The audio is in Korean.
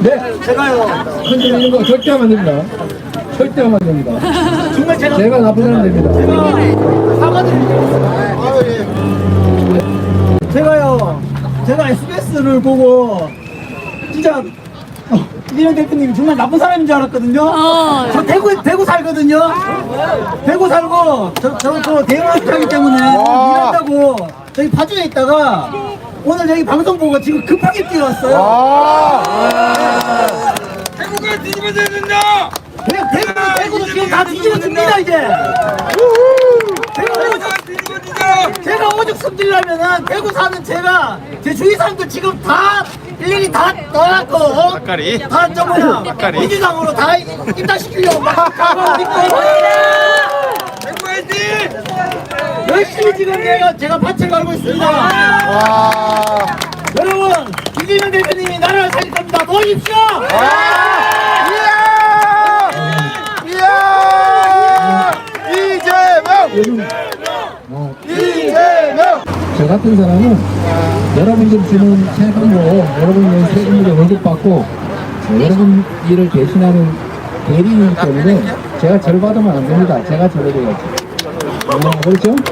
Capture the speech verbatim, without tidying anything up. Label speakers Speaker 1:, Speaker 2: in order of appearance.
Speaker 1: 네,
Speaker 2: 제가요.
Speaker 1: 흔들리는 거 절대 하면 안 됩니다. 절대 하면 안 됩니다.
Speaker 2: 정말 제가
Speaker 1: 제가 나쁜 사람 됩니다.
Speaker 2: 사과드립니다. 제가요. 제가 에스비에스를 보고 진짜 어, 이재명 대표님 정말 나쁜 사람인 줄 알았거든요.
Speaker 3: 어.
Speaker 2: 저 대구 대구 살거든요. 대구 살고 저 저 저 대구하기 때문에 일한다고 저기 파주에 있다가 오늘 여기 방송 보고 지금 급하게 뛰어왔어요.
Speaker 4: 대구가 뒤집어져야 된다!
Speaker 2: 그냥 대구 대구도 지금 다 뒤집어집니다 이제. 대구
Speaker 4: 대구가 뒤집어지자!
Speaker 2: 제가 오죽 숨기려면은 대구 사는 제가 제 주위 사람들 지금 다 일일이 다 떠났고
Speaker 4: 막가리?
Speaker 2: 다 저거나
Speaker 4: 막가리?
Speaker 2: 민주당으로 다 입당시키려고 막 가고 있고
Speaker 4: 대구 화이팅!
Speaker 2: 열심히 지금 내가 제가 밭을 갈고 있습니다. 여러분 이재명 대표님이 나라를 살릴 겁니다. 도와주십시오.
Speaker 1: 저 같은 사람은 여러분들 주는 세금으로 여러분의 세금으로 월급 받고 여러분 일을 대신하는 대리인이기 때문에 제가 절 받으면 안 됩니다. 제가 절을 해야지. 어, 그렇죠?